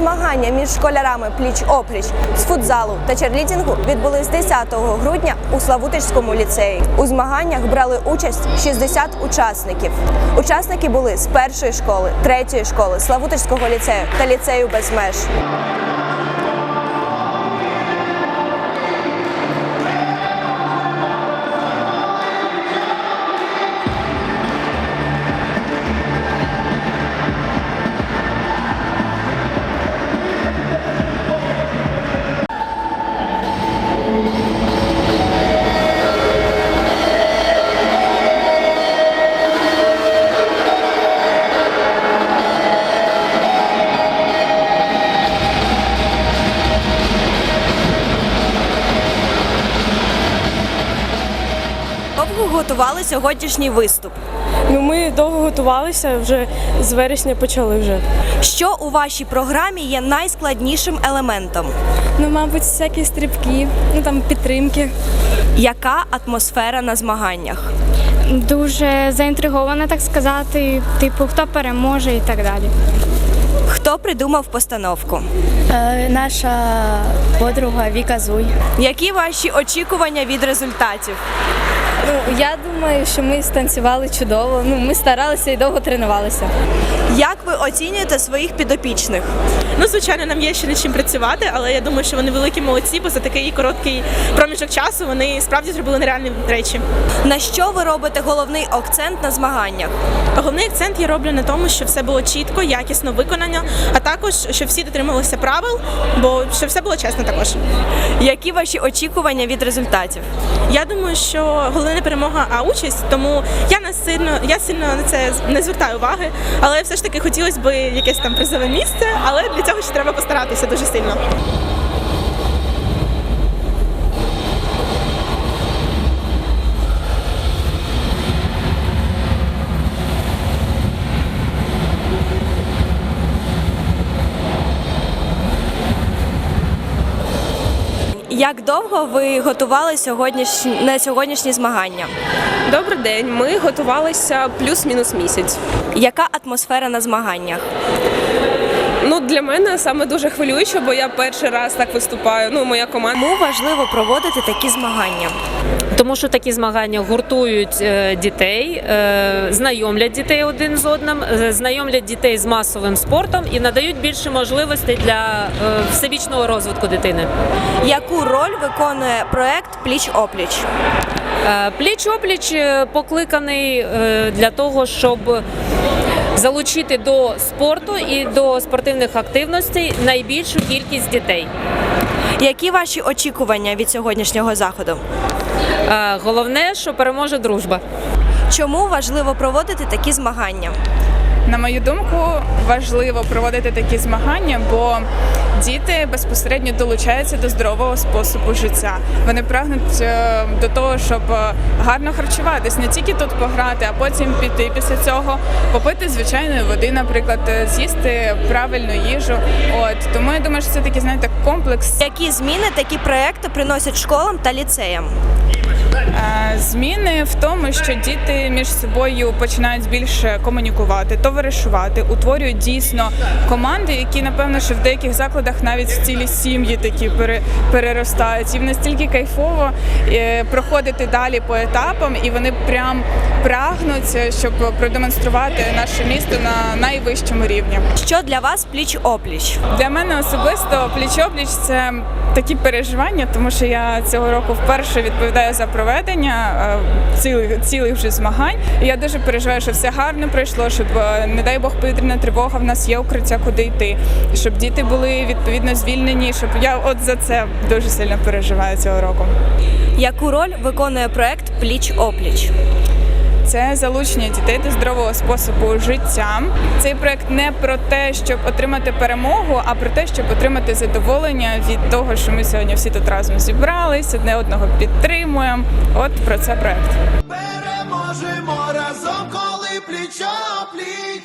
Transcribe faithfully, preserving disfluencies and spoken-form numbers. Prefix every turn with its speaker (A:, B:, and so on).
A: Змагання між школярами пліч-опліч з футзалу та черлідінгу відбулись десятого грудня у Славутичському ліцеї. У змаганнях брали участь шістдесят учасників. Учасники були з першої школи, третьої школи, Славутичського ліцею та ліцею без меж. Довго готували сьогоднішній виступ?
B: Ну, ми довго готувалися, вже з вересня почали вже.
A: Що у вашій програмі є найскладнішим елементом?
B: Ну, мабуть, всякі стрибки, ну там підтримки.
A: Яка атмосфера на змаганнях?
C: Дуже заінтригована, так сказати, типу, хто переможе і так далі.
A: Хто придумав постановку?
C: Е, наша подруга Віка Зуй.
A: Які ваші очікування від результатів?
B: Ну, я думаю, що ми станцювали чудово, ну, ми старалися і довго тренувалися.
A: Як ви оцінюєте своїх підопічних?
D: Ну, звичайно, нам є ще над чим працювати, але я думаю, що вони великі молодці, бо за такий короткий проміжок часу вони справді зробили нереальні речі.
A: На що ви робите головний акцент на змаганнях?
D: Головний акцент я роблю на тому, що все було чітко, якісно виконано, а також, щоб всі дотримувалися правил, бо щоб все було чесно також.
A: Які ваші очікування від результатів?
D: Я думаю, що головне не перемога, а участь, тому я не сильно, я сильно на це не звертаю уваги, але все ж таки хотілося б якесь там призове місце, але для цього ще треба постаратися дуже сильно.
A: Як довго ви готували сьогоднішні, на сьогоднішні змагання?
E: Добрий день. Ми готувалися плюс-мінус місяць.
A: Яка атмосфера на змаганнях?
E: Ну, для мене саме дуже хвилююче, бо я перший раз так виступаю. Ну, моя команда.
A: Чому важливо проводити такі змагання?
F: Тому що такі змагання гуртують дітей, знайомлять дітей один з одним, знайомлять дітей з масовим спортом і надають більше можливостей для всебічного розвитку дитини.
A: Яку роль виконує проект «Пліч-опліч»?
F: Пліч-опліч покликаний для того, щоб залучити до спорту і до спортивних активностей найбільшу кількість дітей.
A: Які ваші очікування від сьогоднішнього заходу?
F: Головне, що переможе дружба.
A: Чому важливо проводити такі змагання?
G: На мою думку, важливо проводити такі змагання, бо діти безпосередньо долучаються до здорового способу життя. Вони прагнуть до того, щоб гарно харчуватись, не тільки тут пограти, а потім піти після цього, попити звичайної води, наприклад, з'їсти правильну їжу. От тому я думаю, що це такий, знаєте, комплекс.
A: Які зміни такі проекти приносять школам та ліцеям?
G: Зміни в тому, що діти між собою починають більше комунікувати, товаришувати, утворюють дійсно команди, які, напевно, що в деяких закладах навіть в цілі сім'ї такі переростають. І настільки кайфово проходити далі по етапам, і вони прям прагнуть, щоб продемонструвати наше місто на найвищому рівні.
A: Що для вас пліч-опліч?
G: Для мене особисто пліч-опліч – це такі переживання, тому що я цього року вперше відповідаю за проведення цілих, цілих вже змагань. І я дуже переживаю, що все гарно пройшло, щоб, не дай Бог, повітряна тривога, в нас є укриття, куди йти, щоб діти були відповідно звільнені, щоб я от за це дуже сильно переживаю цього року.
A: Яку роль виконує проект «Пліч-опліч»?
G: Це залучення дітей до здорового способу життя. Цей проект не про те, щоб отримати перемогу, а про те, щоб отримати задоволення від того, що ми сьогодні всі тут разом зібрались, одне одного підтримуємо. От про це проект.
H: Переможемо разом, коли пліч-опліч.